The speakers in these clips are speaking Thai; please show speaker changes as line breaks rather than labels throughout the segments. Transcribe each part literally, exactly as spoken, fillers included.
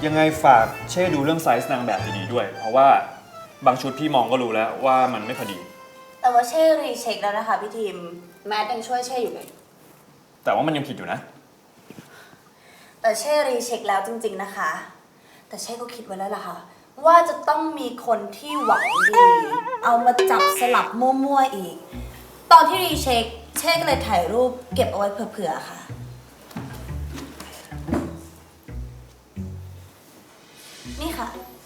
ยังไงฝากเช่ดูเรื่องไซส์นางแบบดีๆด้วย เพราะว่าบางชุดพี่มองก็รู้แล้วว่ามันไม่พอดี
แต่ว่าเช่รีเช็คแล้วนะคะพี่ทีมแมทยังช่วยเช่อยู่เลย
แต่ว่ามันยังผิดอยู่นะ
แต่เช่รีเช็คแล้วจริงๆนะคะแต่เช่ก็คิดไว้แล้วล่ะค่ะว่าจะต้องมีคนที่หวังดีเอามาจับสลับมั่วๆอีกตอนที่รีเช็คเช่ก็เลยถ่ายรูปเก็บเอาไว้เผื่อๆค่ะนี่ค่ะ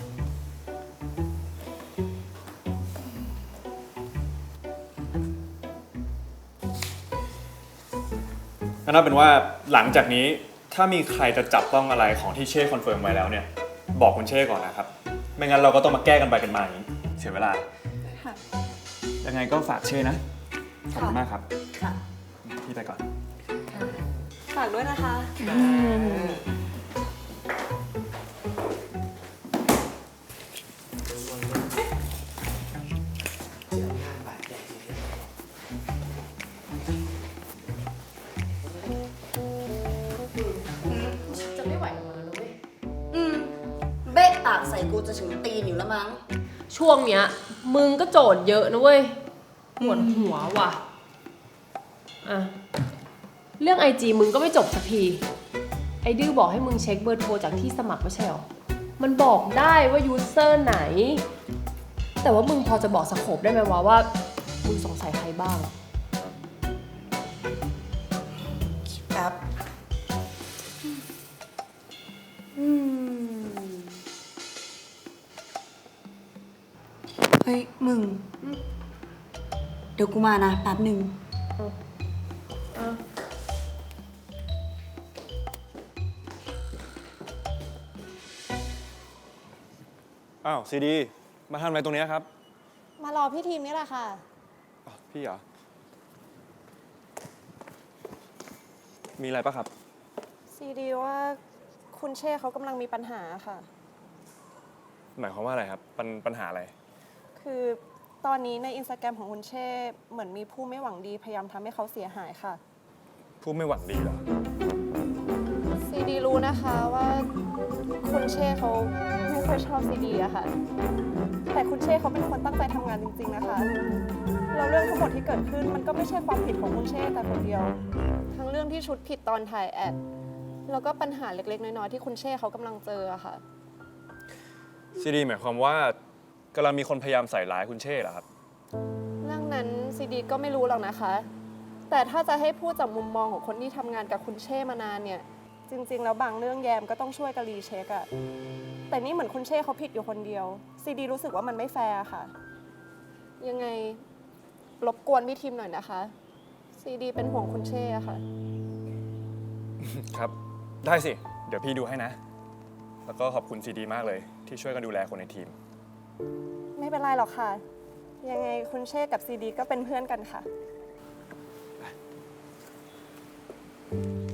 ก็น่าเป็นว่าหลังจากนี้ถ้ามีใครจะจับต้องอะไรของที่เช่คอนเฟิร์มไว้แล้วเนี่ยบอกคุณเช่ก่อนนะครับไม่งั้นเราก็ต้องมาแก้กันไปกันมาอย่างนี้เสียเวลายังไงก็ฝากเช่นะขอบคุณมากครับ
ค่ะ
พี่ไปก่อน
ฝากด้วยนะคะ
จะไม่ไหวแล้วนะเว้ยอืมเบ๊ะปากใส่กูจะถึงตีนอยู่แล้วมั้ง
ช่วงเนี้ยมึงก็โจทย์เยอะนะเว้ยปวดหัวว่ะอ่ะเรื่องไอจีมึงก็ไม่จบสักทีไอดื้อบอกให้มึงเช็คเบอร์โทรจากที่สมัครไม่ใช่หรอมันบอกได้ว่ายูเซอร์ไหนแต่ว่ามึงพอจะบอกสโคปได้ไหมวะว่ามึงสงสัยใครบ้าง
ครับ
อืม
เฮ้ยมึงเดี๋ยวกูมานะแป๊บหนึ่ง
อ้าวซีดีมาทำอะไรตรงนี้ครับ
มารอพี่ทีมนี่แหละค่ะ
พี่เหรอมีอะไรปะครับ
ซีดีว่าคุณเช่เขากำลังมีปัญหาค่ะ
หมายความว่าอะไรครับปัญปัญหาอะไร
คือตอนนี้ในอินสตาแกรมของคุณเช่เหมือนมีผู้ไม่หวังดีพยายามทำให้เขาเสียหายค่ะ
ผู้ไม่หวังดีเหรอ
ซีดีรู้นะคะว่าคุณเช่เขาไม่ค่อยชอบซีดีอะค่ะแต่คุณเช่เขาเป็นคนตั้งใจทำงานจริงๆนะคะแล้วเรื่องทั้งหมดที่เกิดขึ้นมันก็ไม่ใช่ความผิดของคุณเช่แต่คนเดียวทั้งเรื่องที่ชุดผิดตอนถ่ายแอดแล้วก็ปัญหาเล็กๆน้อยๆที่คุณเช่เขากำลังเจออะค่ะ
ซีดีหมายความว่ากำลังมีคนพยายามใส่ร้ายคุณเช่เหรอครับ
เรื่องนั้นซีดีก็ไม่รู้หรอกนะคะแต่ถ้าจะให้พูดจากมุมมองของคนที่ทำงานกับคุณเช่มานานเนี่ยจริงๆแล้วบางเรื่องแยมก็ต้องช่วยกันรีเช็คอะแต่นี่เหมือนคุณเช่เขาผิดอยู่คนเดียวซีดีรู้สึกว่ามันไม่แฟร์ค่ะยังไงรบกวนพี่ทีมหน่อยนะคะซีดีเป็นห่วงคุณเช่อะค่ะ
ครับได้สิเดี๋ยวพี่ดูให้นะแล้วก็ขอบคุณซีดีมากเลยที่ช่วยกันดูแลคนในทีม
ไม่เป็นไรหรอกค่ะยังไงคุณเช่กับซีดีก็เป็นเพื่อนกันค่ะ